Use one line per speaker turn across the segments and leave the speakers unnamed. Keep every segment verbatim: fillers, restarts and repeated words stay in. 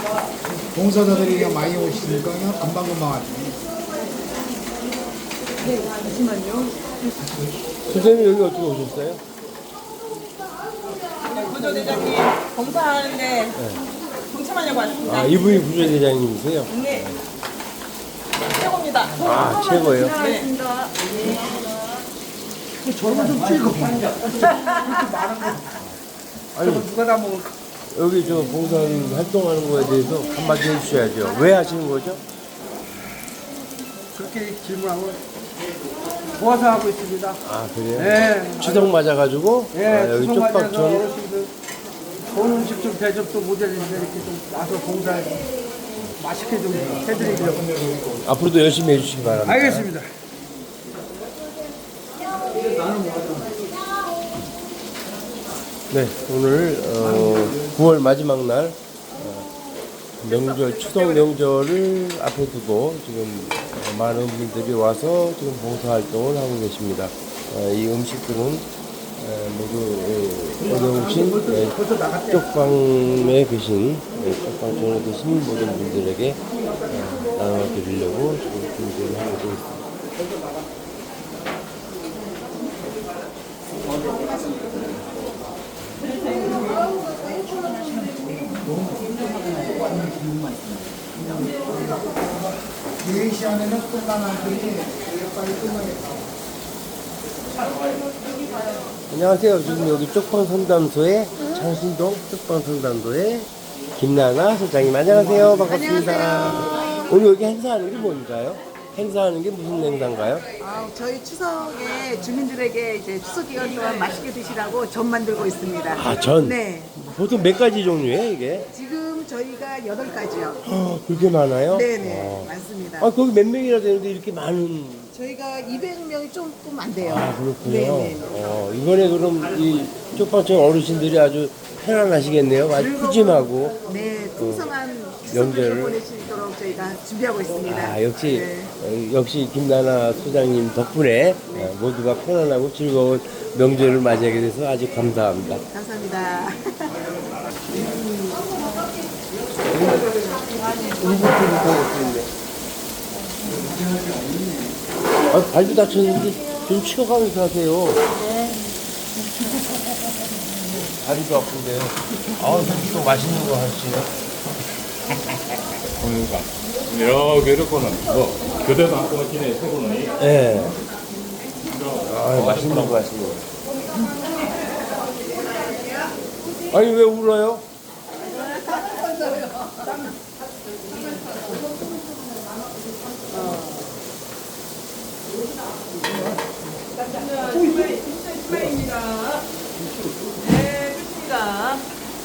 봉사자들이 그냥 많이 오시니까 그냥 금방금방 왔네.
네, 잠시만요.
선생님 여기 어떻게 오셨어요?
구조대장님 봉사하는데 동참하려고 왔습니다.
아 이분이 부조대장님이세요?
네. 최고입니다.
아 최고예요?
네.
저거 좀 찍어.
아니
누가 다 먹을
여기 저 봉사 활동하는 거에 대해서 한마디 해주셔야죠. 왜 하시는 거죠?
그렇게 질문하고 도와서 하고 있습니다.
아 그래요?
네.
추석 맞아가지고
예,
아, 여기
추석 맞아서
쪽박촌
어르신들 좋은 음식 좀 대접도 모자리는데 이렇게 좀 와서 봉사해서 맛있게 좀 해드리려고.
앞으로도 열심히 해주시기 바랍니다.
알겠습니다.
네, 오늘 어, 구월 마지막 날 어, 명절 추석 명절을 앞에 두고 지금 어, 많은 분들이 와서 지금 봉사 활동을 하고 계십니다. 어, 이 음식들은 어, 모두 어, 어려우신 네, 쪽방에 계신 네, 쪽방촌에 계신 모든 분들에게 어, 나눠드리려고 지금 준비를 하고 있습니다.
네 시 안에는 끝나는데 빨리 끝나겠다.
안녕하세요. 지금 여기 쪽방 상담소의 창신동 쪽방 상담소의 김나나 소장님. 안녕하세요. 반갑습니다.
안녕하세요.
오늘 여기 행사하는 게 뭔가요? 행사하는 게 무슨 행사인가요?
아, 저희 추석에 주민들에게 이제 추석 기간 동안 맛있게 드시라고 전 만들고 있습니다.
아, 전?
네.
보통 몇 가지 종류예요, 이게?
지금 저희가 여덟 가지요.
아, 그렇게 많아요?
네네.
어.
많습니다.
아, 거기 몇 명이나 되는데 이렇게 많은.
저희가 이백 명이 조금 안 돼요.
아, 그렇군요.
네네.
어, 이번에 그럼 이 쪽방촌 어르신들이 아주 편안하시겠네요. 아주 푸짐하고.
네, 풍성한
명절을
추석을 보낼 수 있도록 저희가 준비하고 있습니다.
아, 역시,
네.
어, 역시 김나나 소장님 덕분에 어, 모두가 편안하고 즐거운 명절을 맞이하게 돼서 아주 감사합니다.
감사합니다.
아, 발도 다쳤는데 좀 치워가면서 하세요. 다리도 아픈데. 아, 또 맛있는 거 하시네요.
공유가 여러 괴롭고는 뭐 교대도 안 끊어지네 세고는
예. 네. 아, 맛있는 거 하시네요. 아니, 왜 울어요?
네, 좋습니다.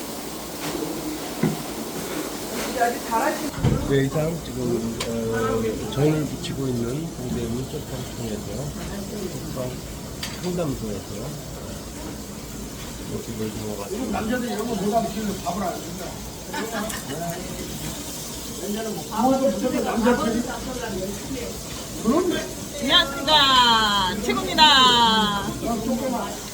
네, 이상 지금 어, 전을 붙이고 있는 동대문 쪽방촌에서 쪽방 상담소에서 모습을 주어가지고
남자들 이런 거 못 하면 지금 밥을 안 준다.
안녕하십니까. 최고입니다.